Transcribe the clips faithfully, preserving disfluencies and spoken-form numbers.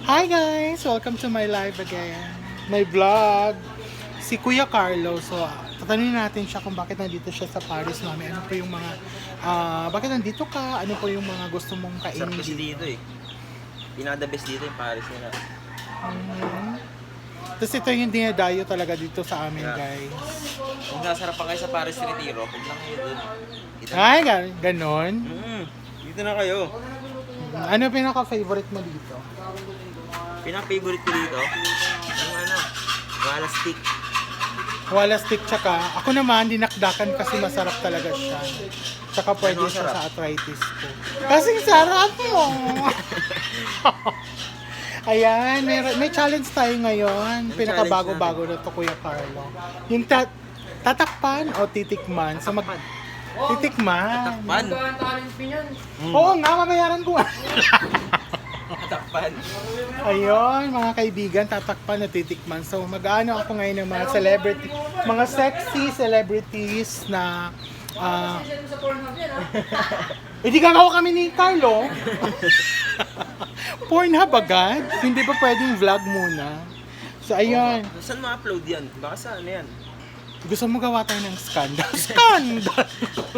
Hi guys! Welcome to my live again. My vlog. Si Kuya Carlo. So, tatanungin natin siya kung bakit nandito siya sa Paris, mami. Ano po yung mga, ah, bakit nandito ka? Ano po yung mga gusto mong kainin Sarap kasi dito? dito eh. Pinaka the best dito yung Paris nila. Mhm. Tapos ito yung dinadayo talaga dito sa amin, Yeah. guys. Kung sasarap pa kayo sa Paris Retiro, huwag lang kayo dun. Dito na. Ay, gan- ganon. Mm, dito na kayo. Ano pinaka-favorite mo dito? Pinaka-favorite ko dito, yung ano, wala stick. Wala stick tsaka. Ako naman, dinakdakan kasi masarap talaga siya. Tsaka pwede Ano siya sarap? sa arthritis ko. Kasing sarap mo! Ayan, may, may challenge tayo ngayon. Anong Pinakabago-bago na to, Kuya Carlo. Yung ta- tatakpan o titikman? So mag- titikman. Takpan. Oo nga, mamayaran ko. Takpan. Ayun, mga kaibigan, tatakpan na titikman. So, mag-ano ako ngayon ng mga celebrity, mga sexy celebrities na ah hindi gagawa kami ni Carlo. Pornhub agad? Hindi ba pwedeng vlog muna? So, ayun. Saan ma-upload yan? Baka sa ano yan? Gusto mo gawa tayo ng scandal? Scandal!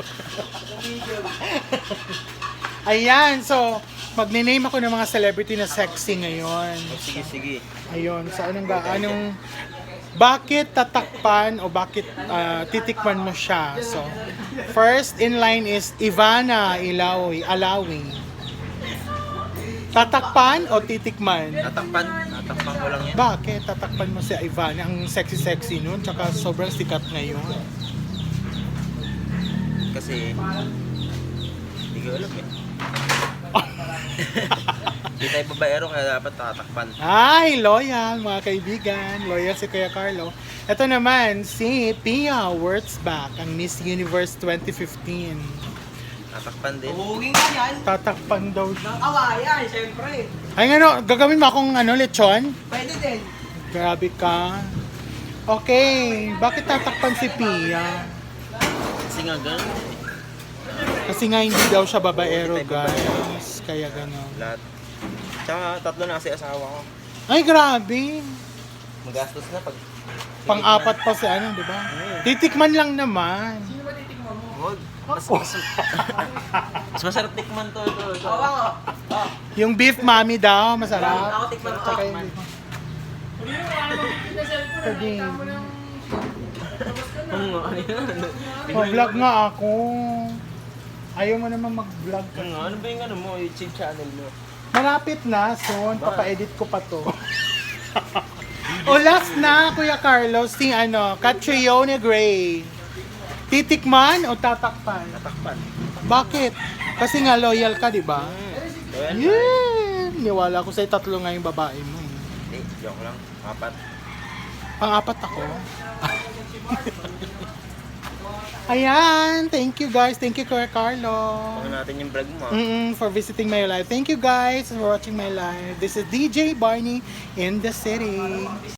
Ayan, so, magne-name ako ng mga celebrity na sexy ngayon. Oh, sige, sige. Ayun, sa anong ga, anong, bakit tatakpan o bakit ah, titikman mo siya? So, first in line is Ivana Ilawi, Alawi. Tatakpan o titikman? Tatakpan. Tatakpan ko lang yan. Bakit tatakpan mo si Ivana? Ang sexy-sexy nun, tsaka sobrang sikat ngayon. Kasi, hindi ko alam eh. Hindi tayo babaero kaya dapat tatakpan. Ay, loyal mga kaibigan. Loyal si Kuya Carlo. Ito naman, si Pia Wurtzbach, ang Miss Universe twenty fifteen. Tatakpan din. Buging ka yan. Tatakpan daw siya. Ng kawayan, syempre. Ay, ano, gagawin mo akong ano, lechon? Pwede din. Grabe ka. Okay, bakit tatakpan si Pia? Kasi nga ganun. Kasi nga hindi daw siya babaero, Hindi tayo babaero. guys. Kaya gano'n. Lahat. Tsaka tatlo na kasi asawa ko. Ay, grabe. Magastos na pag... Pang-apat pa si ano, di ba? Titikman lang naman. Huwag. Mas, mas, mas masarap tikman to. Ito, ito. Awa ko. Oh. Yung beef mami daw, Ako masarap. tikman ko. Tsaka yung beef. Pwede. Oo nga, ano yan? Mag-vlog nga ako. Ayaw mo naman mag-vlog ka. Ano nga, ano ba yung ano mo, YouTube channel mo? Malapit na, soon. Papa-edit ko pa to. O last na, Kuya Carlos, si ano, Catriona Gray. Titikman o tatakpan? Tatakpan. Bakit? Kasi nga loyal ka, di ba? So yan. Yeah! Niwala ko sa'yo tatlo nga yung babae mo. Hindi, joke lang. Apat. Pang-apat ako. Ayan, thank you guys. Thank you, Kuya Carlo. Pagin natin yung vlog mo. ah. Mm-mm, for visiting my live. Thank you guys for watching my live. This is D J Barney in the city.